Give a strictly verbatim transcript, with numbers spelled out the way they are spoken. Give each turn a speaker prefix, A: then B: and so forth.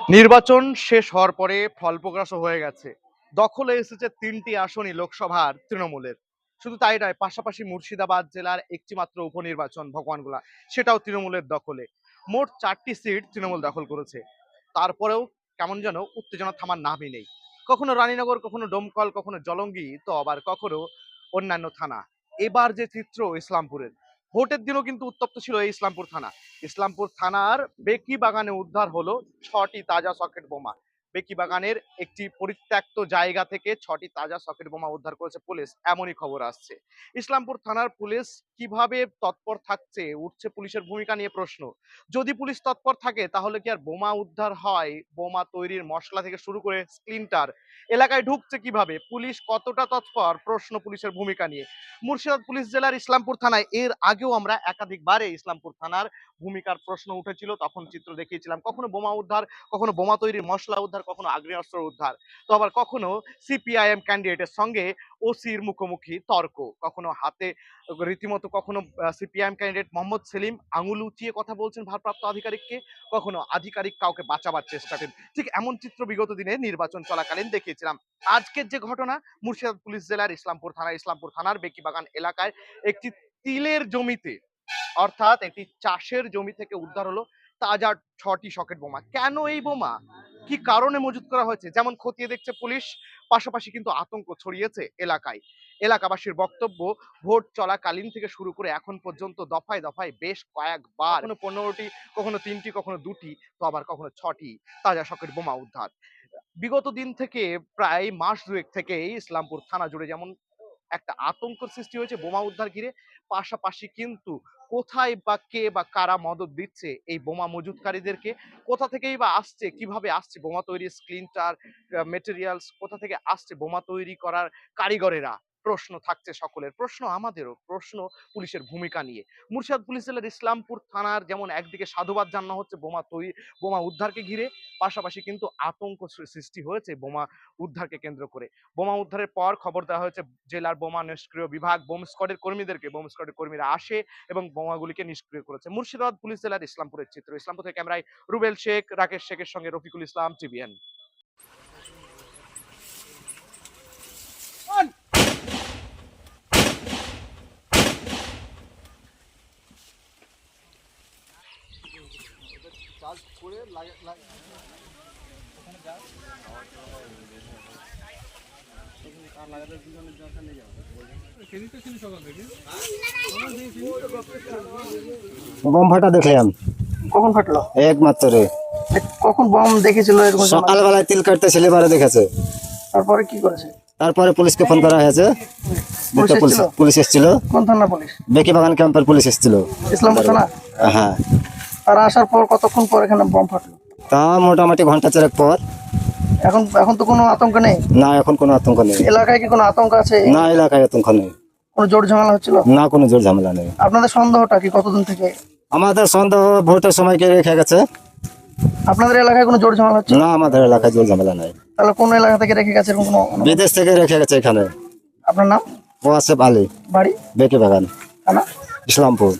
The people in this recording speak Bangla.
A: নির্বাচন শেষ হওয়ার পরে ফল প্রকাশও হয়ে গেছে। দখলে এসেছে তিনটি আসনই লোকসভার তৃণমূলের। শুধু তাই নয়, পাশাপাশি মুর্শিদাবাদ জেলার একটি মাত্র উপনির্বাচন ভগবানগোলা, সেটাও তৃণমূলের দখলে। মোট চারটি সিট তৃণমূল দখল করেছে। তারপরেও কেমন যেন উত্তেজনা থামার নামই নেই। কখনো রানীনগর, কখনো ডোমকল, কখনো জলঙ্গি, তো আবার কখনো অন্যান্য থানা। এবার যে চিত্র ইসলামপুরের, ভোটের দিনও কিন্তু উত্তপ্ত ছিল এই ইসলামপুর থানা। ইসলামপুর থানার বেকি বাগানে উদ্ধার হলো ছটি তাজা সকেট বোমা। বেকি বাগানের একটি পরিত্যক্ত জায়গা থেকে ছটি তাজা সকেট বোমা উদ্ধার করেছে পুলিশ, এমনই খবর আসছে। ইসলামপুর থানার পুলিশ কিভাবে তৎপর থাকছে, উঠছে পুলিশের ভূমিকা নিয়ে প্রশ্ন। যদি পুলিশ তৎপর থাকে তাহলে কি আর বোমা উদ্ধার হয়? বোমা তৈরির মশলা থেকে শুরু করে স্প্লিন্টার এলাকায় ঢুকছে কিভাবে? পুলিশ কতটা তৎপর? প্রশ্ন পুলিশের ভূমিকা নিয়ে। মুর্শিদাবাদ পুলিশ জেলার ইসলামপুর থানায় এর আগেও আমরা একাধিকবারে ইসলামপুর থানার ভূমিকার প্রশ্ন উঠেছিল, তখন চিত্র দেখিয়েছিলাম। কখনো বোমা উদ্ধার, কখনো বোমা তৈরির মশলা উদ্ধার, কখনো আগ্নেয়াস্ত্র উদ্ধার, তো আবার কখনো সিপিআইএম ক্যান্ডিডেটের সঙ্গে ওসির মুখোমুখি তর্ক, কখনো হাতে রীতিমতো, কখনো সিপিআইএম ক্যান্ডিডেট মোহাম্মদ সেলিম আঙুল উঁচিয়ে কথা বলছেন ভারপ্রাপ্ত আধিকারিককে, কখনো আধিকারিক কাউকে বাঁচাবার চেষ্টা করেন। ঠিক এমন চিত্র বিগত দিনে নির্বাচন চলাকালীন দেখিয়েছিলাম। আজকের যে ঘটনা, মুর্শিদাবাদ পুলিশ জেলার ইসলামপুর থানা, ইসলামপুর থানার বেকিবাগান এলাকায় একটি তিলের জমিতে, অর্থাৎ একটি চাষের জমি থেকে উদ্ধার হলো তাজা ছটি সকেট বোমা। কেন এই বোমা, কি কারণে মজুত করা হয়েছে, যেমন খতিয়ে দেখছে পুলিশ, পাশাপাশি কিন্তু আতঙ্ক ছড়িয়েছে এলাকায়। এলাকাবাসীর বক্তব্য, ভোট চলাকালীন থেকে শুরু করে এখন পর্যন্ত দফায় দফায় বেশ কয়েকবার, কখনো পনেরোটি, কখনো তিনটি, কখনো দুটি, তো আবার কখনো ছটি তাজা সকেট বোমা উদ্ধার। বিগত দিন থেকে, প্রায় মাস দুয়েক থেকে ইসলামপুর থানা জুড়ে যেমন একটা আতঙ্ক সৃষ্টি হয়েছে বোমা উদ্ধার ঘিরে, পাশাপাশি কিন্তু কোথায় বা কে বা কারা মদত দিচ্ছে এই বোমা মজুতকারীদেরকে, কোথা থেকেই বা আসছে, কিভাবে আসছে বোমা তৈরির স্ক্রিনটার মেটেরিয়ালস, কোথা থেকে আসছে বোমা তৈরি করার কারিগরেরা, প্রশ্ন থাকছে সকলের, প্রশ্ন আমাদেরও, প্রশ্ন পুলিশের ভূমিকা নিয়ে। মুর্শিদাবাদ পুলিশ জেলার ইসলামপুর থানার যেমন একদিকে সাধুবাদ জানানো হচ্ছে বোমা তৈরি, বোমা উদ্ধারকে ঘিরে, পাশাপাশি কিন্তু আতঙ্ক সৃষ্টি হয়েছে বোমা উদ্ধারকে কেন্দ্র করে। বোমা উদ্ধারের পর খবর দেওয়া হয়েছে জেলার বোমা নিষ্ক্রিয় বিভাগ বোম স্কোয়াডের কর্মীদেরকে। বোম স্কোয়াডের কর্মীরা আসে এবং বোমাগুলিকে নিষ্ক্রিয় করেছে। মুর্শিদাবাদ পুলিশ জেলার ইসলামপুরের চিত্র। ইসলামপুর থেকে ক্যামেরায় রুবেল শেখ, রাকেশ শেখের সঙ্গে রফিকুল ইসলাম, টিভিএন।
B: বম ফাটা দেখলাম।
C: কখন ফাটলো?
B: একমাত্র
C: কখন বম দেখেছিল এরকম?
B: সকালবেলায় তিল কাটতে ছেলে বারে দেখেছে।
C: তারপরে কি করেছে?
B: তারপরে পুলিশকে ফোন করা হয়েছে।
C: পুলিশ
B: দুটো পুলিশ
C: এসেছিল?
B: পুলিশ এসেছিল।
C: কোন থানা পুলিশ?
B: বেকি বাগান ক্যাম্পের পুলিশ এসেছিল।
C: ইসলামপুর থানা?
B: হ্যাঁ।
C: আর আসার পর কতক্ষণ পর এখানে বম ফাটলো?
B: তা মোটামুটি ঘন্টা চারেক পর।
C: এখন এখন তো কোনো আতঙ্ক নেই?
B: না, এখন কোনো আতঙ্ক নেই।
C: এলাকায় কি কোনো আতঙ্ক আছে?
B: না, এলাকায় আতঙ্ক নেই।
C: কোনো জোর ঝামেলা হচ্ছিল?
B: না, কোনো জোর ঝামেলা নেই।
C: আপনাদের সন্দেহটা কি কতদিন থেকে?
B: আমাদের সন্দেহ ভোটের সময়কে রেখে গেছে।
C: আপনাদের এলাকায় কোনো জোর ঝামেলা হচ্ছে?
B: না, আমাদের এলাকায় জোর ঝামেলা নাই।
C: তাহলে কোন এলাকা থেকে রেখে গেছে এরকম কোনো?
B: বিদেশ থেকে রেখে গেছে এখানে।
C: আপনার নাম?
B: ও আসে আলী,
C: বাড়ি?
B: বেকি বাগান,
C: থানা?
B: ইসলামপুর।